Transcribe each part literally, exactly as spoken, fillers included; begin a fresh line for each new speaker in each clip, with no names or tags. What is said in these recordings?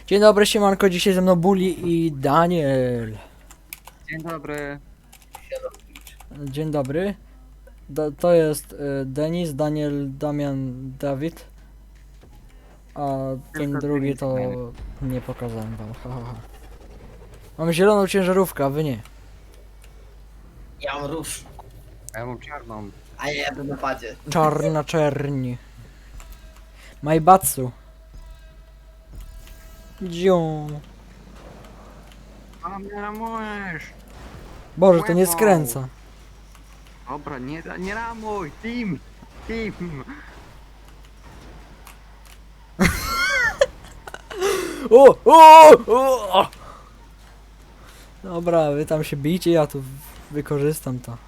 Dzień dobry, siemanko, dzisiaj ze mną Bully i Daniel.
Dzień dobry.
Dzień dobry. Da, to jest y, Denis, Daniel, Damian, Dawid. A ten
Tylko
drugi
Denis
to
fajny.
nie pokazałem wam. Ha, ha, ha. Mam zieloną ciężarówkę, a wy nie.
Ja mam róż,
A ja mam czarną.
a ja jadę na padzie.
Czarna czerni. Majbatsu. Dzią.
A mnie ramujesz.
Boże, to nie
Łebą.
skręca.
Dobra, nie, nie ramuj. Team. Team.
O, o, o! Dobra, wy tam się bijcie, ja tu wykorzystam to.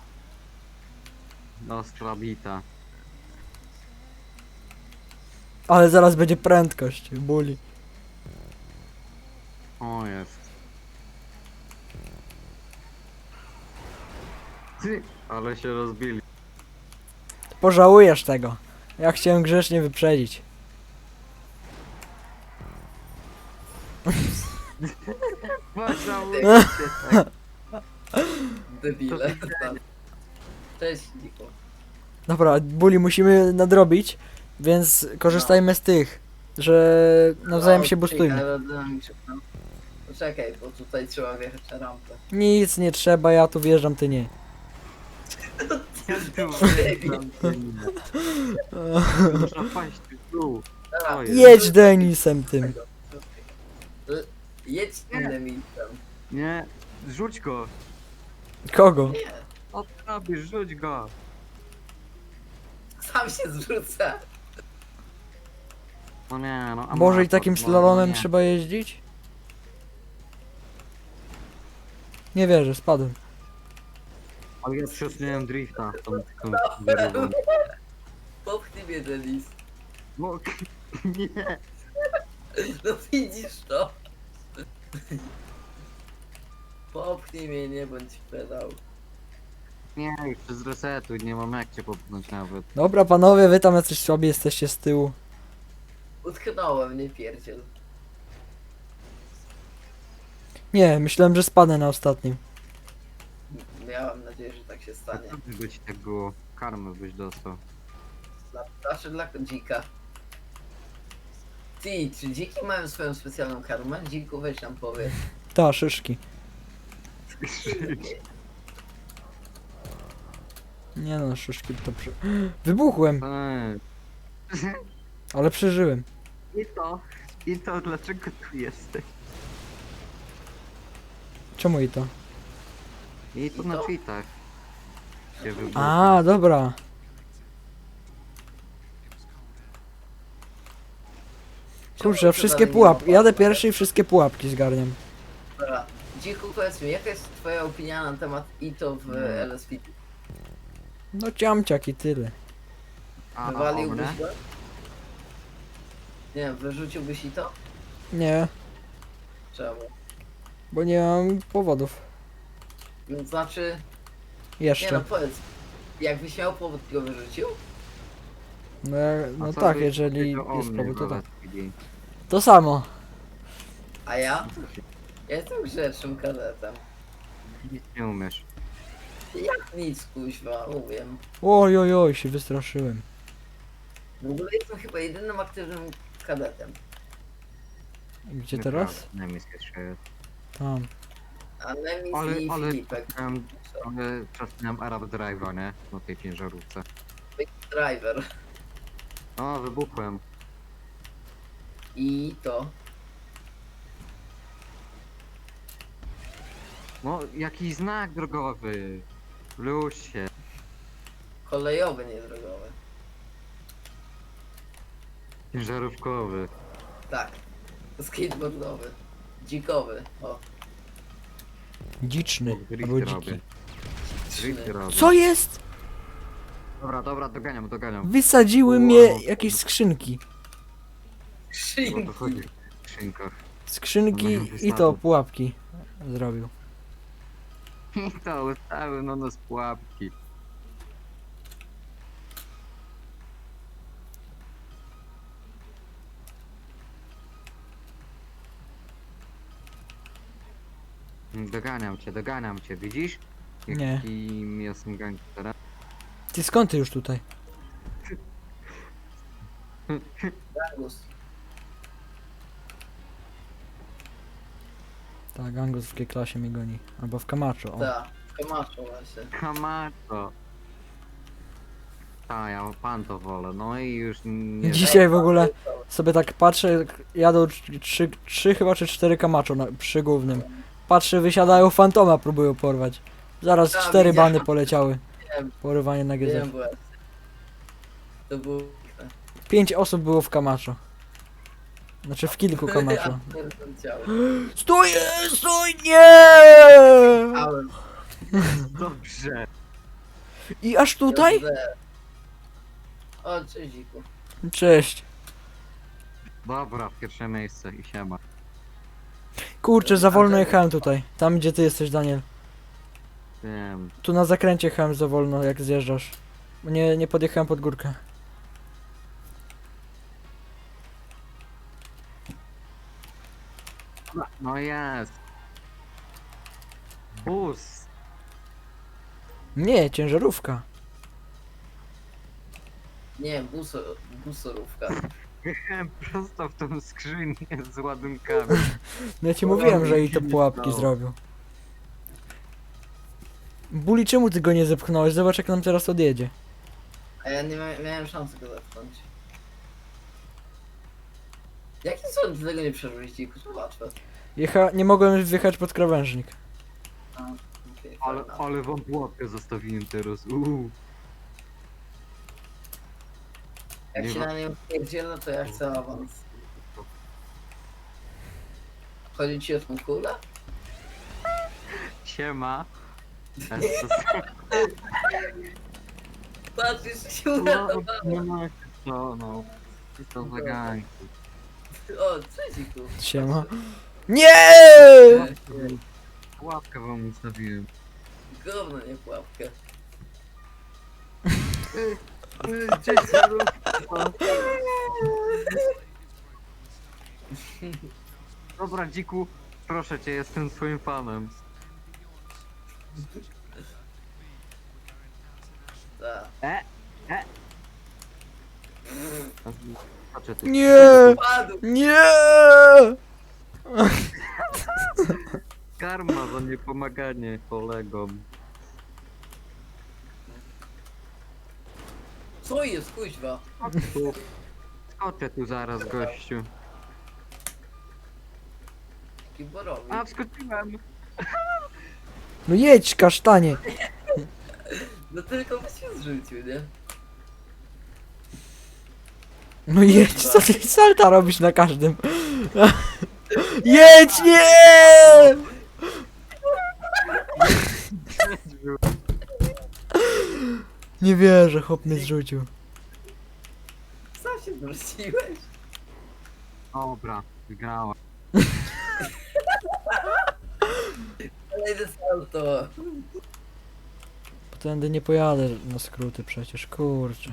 Ostra bita.
Ale zaraz będzie prędkość, Bully.
O jest. Ty, ale się rozbili.
Pożałujesz tego. Ja chciałem grzecznie wyprzedzić.
Pożałujcie tak.
Debile. Cześć, Niko.
Dobra, Bully musimy nadrobić, więc korzystajmy z tych, że nawzajem się boostujmy.
Poczekaj, bo tutaj trzeba wjechać na rampę.
Nic nie trzeba, ja tu wjeżdżam, ty nie.
Ja tu wjeżdżam, ty nie. Muszę paść tu.
Dobra,
O jest.
Jedź Denisem tym.
L- Jedź innym miejscem.
Nie, rzuć go.
Kogo?
Nie,
O co robisz? Rzuć go.
sam się zrzucę.
No nie, no.
Boże, i
amator,
takim
no,
slalomem
no nie.
trzeba jeździć? Nie wierzę, spadłem.
Ale ja przesunąłem drifta. Tą, tą, tą
Popchnij mnie, Denis.
No nie.
No widzisz to. Popchnij mnie, nie bądź pedał.
Nie, już przez resetu nie mam jak cię popchnąć nawet.
Dobra panowie, wy tam jacyś słabi jesteście z tyłu.
Utknąłem, nie pierdziel.
Nie, myślałem, że spadnę na ostatnim.
Miałem nadzieję, że tak się stanie.
By ci tak było. Karmę byś dostał.
Dla, znaczy dla dzika. Ty, czy dziki mają swoją specjalną karmę? Dziku, weź nam powiedz.
Ta, szyszki. Nie no, szyszki to przy... Wybuchłem,
Eee.
ale przeżyłem.
I to, i to dlaczego tu jesteś?
Czemu i to?
I to
I
na
to?
tweetach. Się wybuchło.
A, dobra. Kurczę,
Czemu
wszystkie
dalej nie
pułapki.
ma
Jadę
pasów?
pierwszy i wszystkie pułapki zgarniam.
Dobra. Dziku, powiedz mi, jaka jest twoja opinia na temat I T O w
Nie.
L S P?
No ciamciak i tyle.
A, a, o
Wywaliłbyś
mnie?
go? Nie wiem, wyrzuciłbyś I T O?
Nie,
Czemu?
bo nie mam powodów.
No, znaczy, nie no
Jeszcze.
powiedz, jakbyś miał powód, go wyrzucił?
No, ja-
A
no
co
tak,
byś
jeżeli
powiedział o
jest
mnie
powód, to
w
tak.
L S P D?
To samo.
A ja? Ja jestem grzecznym kadetem.
Nic nie umiesz.
Jak nic, kuźwa, umiem.
Oj, oj, oj, się wystraszyłem.
W ogóle jestem chyba jedynym aktywnym kadetem.
Gdzie teraz?
Nemis jeszcze jest.
Tam.
A Nemis
Ale,
i
ale,
Filipek.
miałem, ale czas miałem Arab Drive'a, nie? Na tej ciężarówce.
Driver.
O, wybuchłem.
I to.
No, jakiś znak drogowy. Luź się.
Kolejowy, nie drogowy.
Ciężarówkowy.
Tak. Skateboardowy. Dzikowy. O.
Dziczny.
Drifty
Albo dziki.
robię. Drifty robię.
Co jest?
Dobra, dobra, doganiam, doganiam.
Wysadziły
Wow.
mnie jakieś skrzynki.
O to chodzi w skrzynkach.
Skrzynki
One
i to pułapki zrobił.
I to ustały na nas pułapki. Doganiam cię, doganiam cię, widzisz?
Nie.
Jakim jestem gangsterem?
Ty skąd ty już tutaj?
Gangus.
Tak, Angus w G-klasie mnie goni. Albo w Camacho, o.
Tak, Camacho właśnie.
Kamato. A, ja pan to wolę, no i już nie...
Dzisiaj w ogóle sobie tak patrzę, jadą tr- trzy, trzy chyba czy cztery Camacho na, przy głównym. Patrzę, wysiadają Fantoma, próbują porwać. Zaraz
Tak,
cztery
widziałem.
bany poleciały.
Wiem,
Porywanie na G Z.
wiem właśnie. To było...
Pięć osób było w Camacho. Znaczy w kilku Camacho.
Ja pierdolę ciało.
Stój! Stój! Nie!
Ałem.
Dobrze.
I aż tutaj?
O, cześć dziku.
Cześć.
Dobra, pierwsze miejsce i siema.
Kurczę, za wolno jechałem tutaj. Tam gdzie ty jesteś, Daniel.
Wiem.
Tu na zakręcie jechałem za wolno, jak zjeżdżasz. Nie, nie podjechałem pod górkę.
No jest. Bus.
Nie, ciężarówka.
Nie, buso, busorówka.
Jechałem prosto w tą skrzynię z ładunkami.
No ja ci
No,
mówiłem, że
mi
i to
się nie
pułapki
stało.
zrobił. Buli, czemu ty go nie zepchnąłeś? Zobacz jak nam teraz odjedzie.
A ja nie mia miałem szansy go zepchnąć. Jakim cudem ty tego nie przeżyłeś dziku? To łatwe.
Jecha... Nie mogłem wjechać pod krawężnik.
A, okej,
Ale,
fajna.
ale wam pułapkę zostawiłem teraz. Uuu.
Jak
nie
się
ma-
na nią pierdzielę, to ja chcę awans. Chodzi ci o tą kulę?
Siema.
Patrz, jeszcze się
No,
uratowałem.
no, no, no, no. I to zaganki.
O, cześć dziku.
Siema. Nie!
Pułapkę wam ustawiłem.
Gówno, nie pułapkę.
Cześć, Dobra, dziku, proszę cię, jestem twoim fanem.
Tak.
E, e. Patrzę ty.
Nie!
Padł!
Nie!
Karma za niepomaganie kolegom.
Co jest, kuźwa?
Tu. Skoczę tu zaraz, gościu.
Kiborowi.
A, wskoczyłem.
No jedź, kasztanie!
No tylko byś się zrzucił, nie?
No jedź, co ty salta robisz na każdym? Jedź, nie! Nie wierzę, chłop mnie zrzucił.
Sam się zrzuciłeś.
Dobra, wygrałem.
Kolejne salto.
Tędy nie pojadę na skróty przecież, kurczę.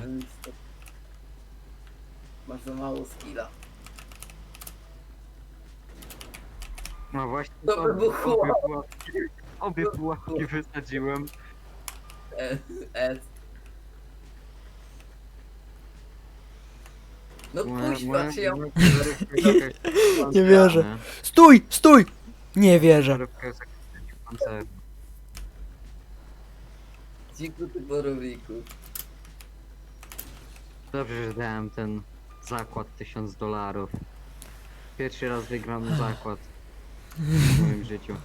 Masz za mało skilla.
No właśnie,
To
obie-
wybuchło.
obie pułapki, obie pułapki wysadziłem.
S, S. No kuźwa, czy ja...
Nie wierzę. Stój, stój! Nie wierzę.
Dziku ty borowiku.
Dobrze, że dałem ten zakład tysiąc dolarów. Pierwszy raz wygram zakład w moim życiu.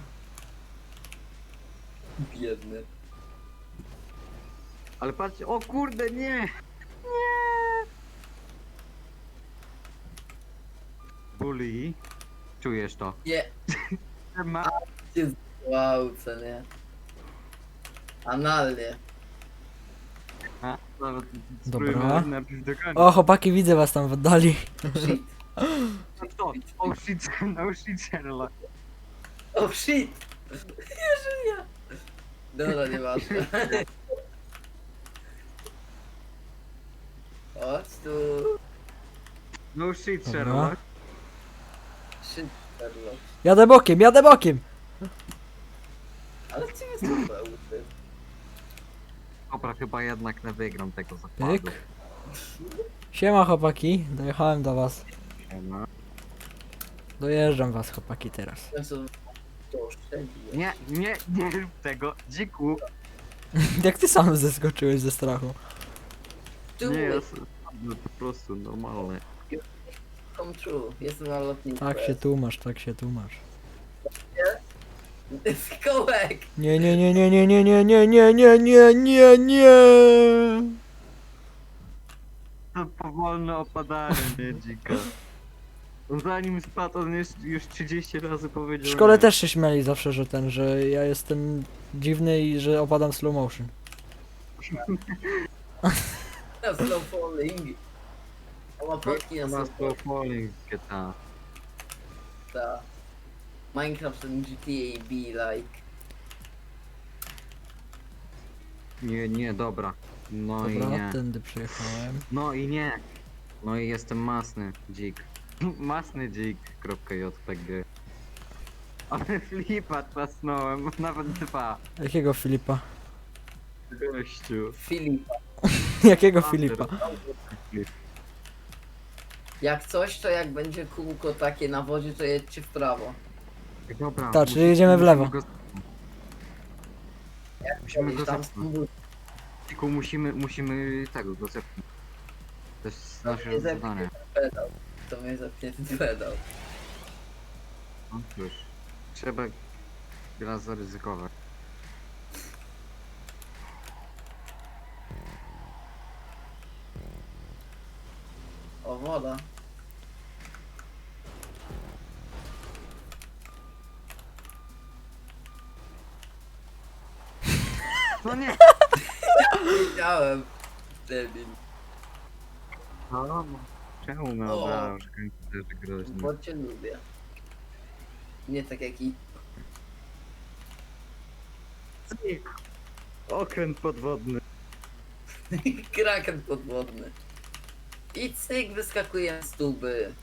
Biedny.
Ale patrzcie, o kurde, nie! Nie! Bully, czujesz to?
Nie,
Ma...
wow, co nie? Analnie.
A, nawet
Dobra.
spróbujmy najpierw do końca.
O, chłopaki, widzę was tam w oddali.
Shit.
No to, oh shit, no shit, Sherlock.
Oh shit! Nie żyję! Dobra, nieważne. Chodź tu.
No shit,
Dobra.
Sherlock.
Shit, Sherlock.
Jadę bokiem, jadę bokiem!
Ale ty jest super.
Dobra, chyba jednak nie wygram tego zakładu.
Pyk. Siema chłopaki, dojechałem do was.
No.
Dojeżdżam was chłopaki teraz.
W końcu to oszczędziłem.
Nie, nie, nie rób tego, dziku.
Jak ty sam zeskoczyłeś ze strachu?
Tu
Nie, jest no, po prostu normalne.
come true. Jestem na lotnisku.
Tak się tłumasz, tak się tłumasz.
Kołek!
Nie, nie, nie, nie, nie, nie, nie, nie, nie, nie, nie, nie, nie.
To powolne opadanie, nie dzika. On zanim spadł, on już, już trzydzieści razy powiedział.
W szkole
nie.
też się śmiali zawsze, że ten, że ja jestem dziwny i że opadam slow motion.
Na slow falling. A ma plotki na
Ma
slow
slow falling w G T A.
Ta. Minecraft and G T A be like.
Nie, nie, dobra. No i
Dobra,
nie.
tędy przyjechałem.
No i nie. No i jestem masny dzik. Masny dzik. .jpg. Ale flipa trasnąłem, nawet dwa.
Jakiego Filipa?
Gościu.
Filip.
Jakiego Filipa?
Flip.
Jak coś, to jak będzie kółko takie na wodzie, to jedźcie w prawo.
Dobra.
Tak, czyli
musimy-
jedziemy w lewo.
Musimy go, musimy go
Tam
zepchnąć.
stąd-
Tylko musimy, musimy tego go zepchnąć. To jest
To
nasze
mnie zepchnie
zadanie.
ten pedał. To mnie zepchnie ten pedał.
No cóż. Trzeba raz zaryzykować.
O, woda.
No nie!
Wiedziałem. Debil.
No, czemu my
O.
obrażasz komputerzy groźni?
Bo cię lubię. Nie tak jak i...
Cyk! Okręt podwodny.
Kraken podwodny. I cyk, wyskakuje z tuby.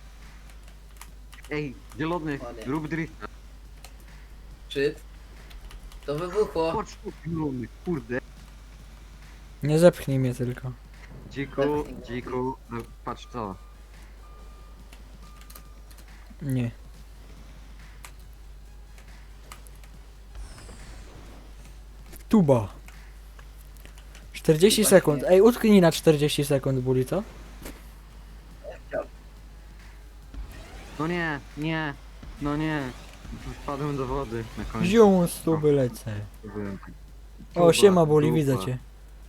Ej, zielony,
Ładnie.
rób drifta.
Czyt. To wybuchło.
Chodź tu, zielony, kurde.
Nie zepchnij mnie tylko.
Dziku, dziku, no, patrz to.
Nie. Tuba. czterdzieści
Tuba
sekund.
śmieje.
Ej, utknij na czterdzieści sekund, Buli, co?
No nie, nie, no nie. Wpadłem do wody na końcu.
Zium z tuby lecę.
Byłem tak.
O,
Tuba,
siema Buli,
dupa.
widzę cię.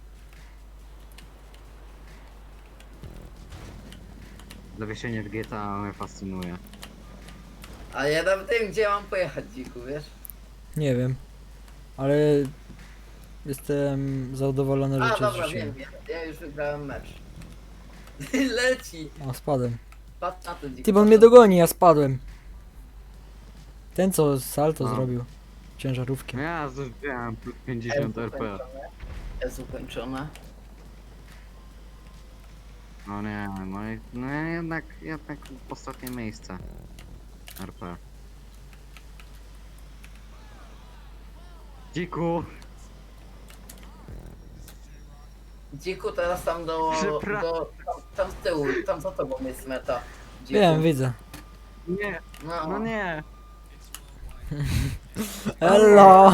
Zawieszenie w G T A mnie fascynuje.
A ja nawet nie wiem, gdzie mam pojechać, dziku, wiesz?
Nie wiem. Ale jestem zadowolony, że
A,
cię
dobra,
zrzuciłem.
wiem, wiem. Ja już wygrałem mecz. Leci.
O, spadłem.
Patrz na to, dziku.
Ty, bo on
patrz
mnie
na to.
dogoni, ja spadłem. Ten co salto
A.
zrobił. Ciężarówkiem.
Ja zużyłem plus pięćdziesiąt
S
R P.
ukończone. S ukończone.
No nie, no, i, no jednak, jednak ostatnie miejsce. R P. Dziku!
Dziku, teraz tam do...
Przepra-
do tam, tam z tyłu, tam za tobą jest meta. Dziku.
Wiem, widzę.
Nie,
No,
no nie!
Hello!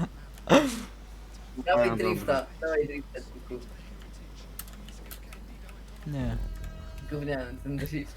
Dawaj
A,
drifta, dawaj drifta, dziku.
Nie.
Gówniany ten drift.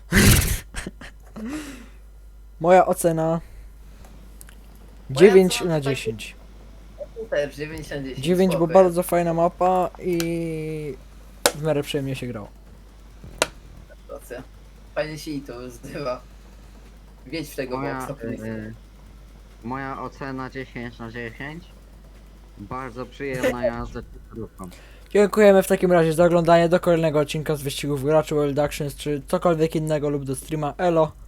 Moja ocena
Moja
dziewięć
ocena
na
to taki-
dziesięć.
Też dziewięć na dziesięć.
dziewięć, bo
spoko
bardzo fajna mapa i w miarę przyjemnie się grało.
jest, racja. Fajnie się i to zdywa. Wiedź w tego
Moja,
boksa, please.
e, moja ocena dziesięć na dziesięć. Bardzo przyjemna jazda ciężarówką.
Dziękujemy w takim razie za oglądanie do kolejnego odcinka z wyścigów graczy World Actions czy cokolwiek innego lub do streama. Elo!